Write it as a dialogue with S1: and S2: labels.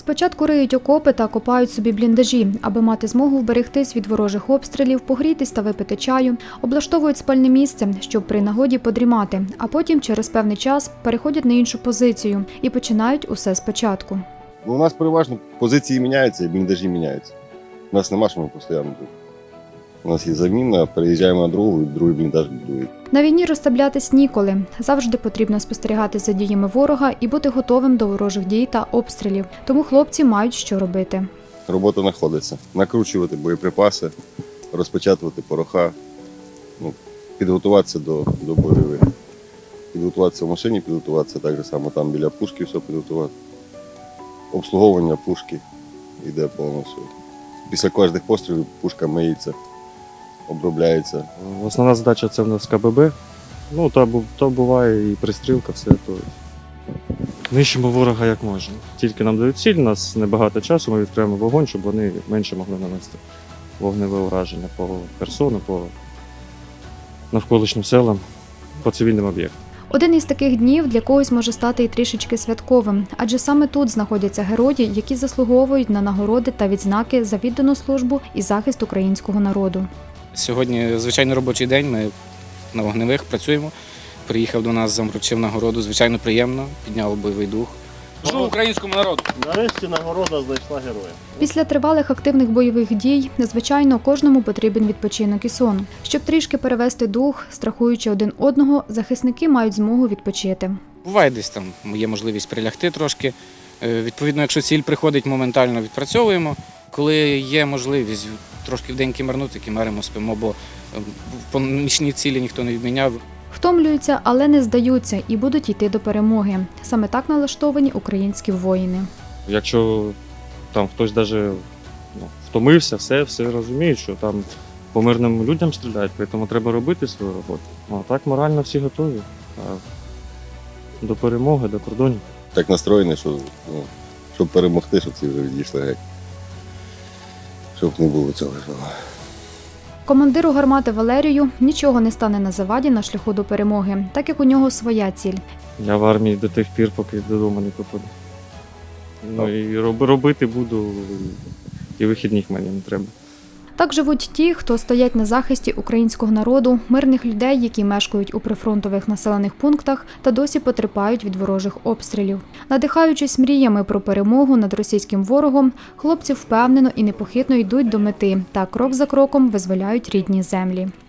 S1: Спочатку риють окопи та копають собі бліндажі, аби мати змогу вберегтись від ворожих обстрілів, погрітись та випити чаю, облаштовують спальне місце, щоб при нагоді подрімати, а потім через певний час переходять на іншу позицію і починають усе спочатку.
S2: У нас переважно позиції міняються і бліндажі міняються. У нас нема, що ми постійно тут. У нас є заміна, переїжджаємо на другу, і другий бліндаж будують.
S1: На війні розслаблятись ніколи. Завжди потрібно спостерігати за діями ворога і бути готовим до ворожих дій та обстрілів. Тому хлопці мають що робити.
S2: Робота знаходиться. Накручувати боєприпаси, розпечатувати пороха, підготуватися до бойових. Підготуватися в машині, підготуватися так само там біля пушки, все підготувати. Обслуговування пушки йде повністю. Після кожних пострілів пушка миється, обробляється.
S3: Основна задача це в нас КББ. То буває і пристрілка, все то. Нищимо ворога як можемо. Тільки нам дають ціль, у нас небагато часу, ми відкриємо вогонь, щоб вони менше могли нанести вогневе ураження по Херсону, по навколишнім селам, по цивільним об'єктам.
S1: Один із таких днів для когось може стати і трішечки святковим, адже саме тут знаходяться герої, які заслуговують на нагороди та відзнаки за віддану службу і захист українського народу.
S4: Сьогодні звичайно робочий день, ми на вогневих працюємо. Приїхав до нас, вручив нагороду, звичайно приємно, підняв бойовий дух. Служу українському народу!
S5: Нарешті нагорода знайшла героя.
S1: Після тривалих активних бойових дій, звичайно, кожному потрібен відпочинок і сон. Щоб трішки перевести дух, страхуючи один одного, захисники мають змогу відпочити.
S4: Буває десь там є можливість прилягти трошки. Відповідно, якщо ціль приходить, моментально відпрацьовуємо. Коли є можливість трошки вдень кимарнути, кимаримо, спимо, бо по нічні цілі ніхто не відміняв.
S1: Втомлюються, але не здаються і будуть йти до перемоги. Саме так налаштовані українські воїни.
S3: Якщо там хтось навіть втомився, все розуміють, що там по мирним людям стріляють, тому треба робити свою роботу. А так морально всі готові. До перемоги, до кордонів.
S2: Так настроєні, щоб перемогти, щоб ці вже відійшли геть. Щоб не було цього.
S1: Командиру гармати Валерію нічого не стане на заваді на шляху до перемоги, так як у нього своя ціль.
S3: Я в армії до тих пір, поки додому не попаду. І робити буду, і вихідних мені не треба.
S1: Так живуть ті, хто стоять на захисті українського народу, мирних людей, які мешкають у прифронтових населених пунктах та досі потерпають від ворожих обстрілів. Надихаючись мріями про перемогу над російським ворогом, хлопці впевнено і непохитно йдуть до мети та крок за кроком визволяють рідні землі.